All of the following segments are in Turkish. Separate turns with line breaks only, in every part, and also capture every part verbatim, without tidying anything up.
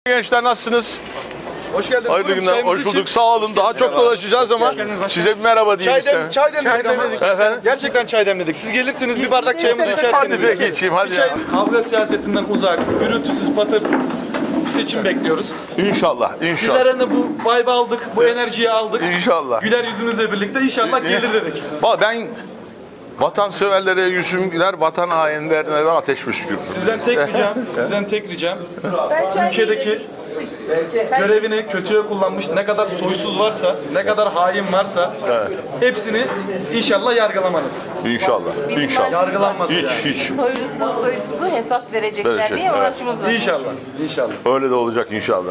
Gençler nasılsınız?
Hoş geldiniz.
Hayırlı
Buyurun,
günler.
çayımızı
Hoş bulduk.
için.
Sağ olun. Daha çok dolaşacağız ama size bir merhaba diyeyim
Çay, dem,
istedim.
çay demledik ama.
Efendim?
Gerçekten çay demledik. Siz gelirsiniz bir bardak çayımızı içerseniz.
Hadi be geçeyim hadi
Bir çay,
ya.
kavga siyasetinden uzak, gürültüsüz, patırsız bir seçim bekliyoruz.
İnşallah. İnşallah.
Sizlerden de bu vibe'ı aldık, bu enerjiyi aldık.
İnşallah.
Güler yüzünüzle birlikte inşallah gelir dedik.
Valla ben vatanseverlere yüzüm güler, vatan hainlerine ateş püskürürüm.
Sizden tek ricam, sizden tek ricam ülkedeki görevini kötüye kullanmış ne kadar soysuz varsa, ne kadar hain varsa hepsini inşallah yargılamanız.
İnşallah. İnşallah.
Yargılanması
Hiç
yani.
hiç.
Soylusu soysuzu hesap verecekler
Verecek,
diye
evet.
uğraşımız var.
İnşallah, inşallah.
Öyle de olacak inşallah.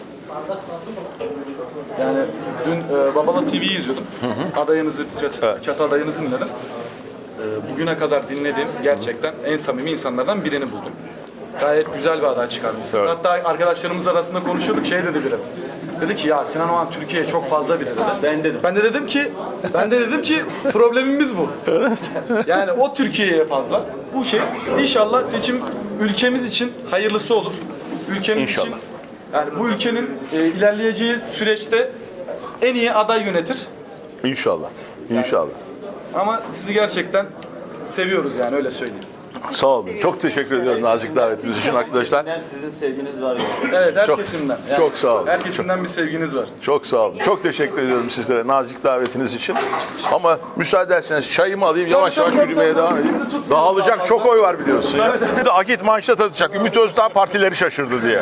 Yani dün e, Babala T V'yi izliyordum. Adayınızı, çat, çatı adayınızı dinledim. E, bugüne kadar dinlediğim gerçekten en samimi insanlardan birini buldum. Gayet güzel bir aday çıkarmışsınız.
Evet.
Hatta arkadaşlarımız arasında konuşuyorduk, şey dedi biri. Dedi ki ya Sinan Oğan Türkiye'ye çok fazla biri dedi. Ben dedim. Ben de dedim ki, ben de dedim ki problemimiz bu. Yani o Türkiye'ye fazla. Bu şey inşallah seçim ülkemiz için hayırlısı olur. Ülkemiz
İnşallah.
için yani bu ülkenin e, ilerleyeceği süreçte en iyi aday yönetir.
İnşallah. İnşallah.
Ama sizi gerçekten seviyoruz yani öyle söyleyeyim.
Sağ olun. Çok teşekkür ediyorum nazik davetiniz için arkadaşlar.
Sizin sevginiz var ya.
Evet her
Çok-
kesimden.
çok sağ olun.
Her kesimden bir sevginiz var.
Çok sağ olun. Çok teşekkür ediyorum sizlere nazik davetiniz için. Ama müsaade ederseniz çayımı alayım yavaş
tabii,
yavaş
tabii,
yürümeye
tabii.
devam edeyim.
Sizi tutmayalım
Dağılacak
daha
çok
fazla.
oy var biliyorsun ya. Bir de Akit manşet atacak. Ümit Özdağ partileri şaşırdı diye.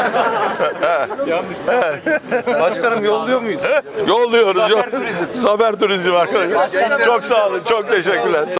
Başkanım yolluyor muyuz?
Yolluyoruz. Zafer Turizm. Zafer Turizm arkadaşlar. Çok sağ olun. Çok teşekkürler.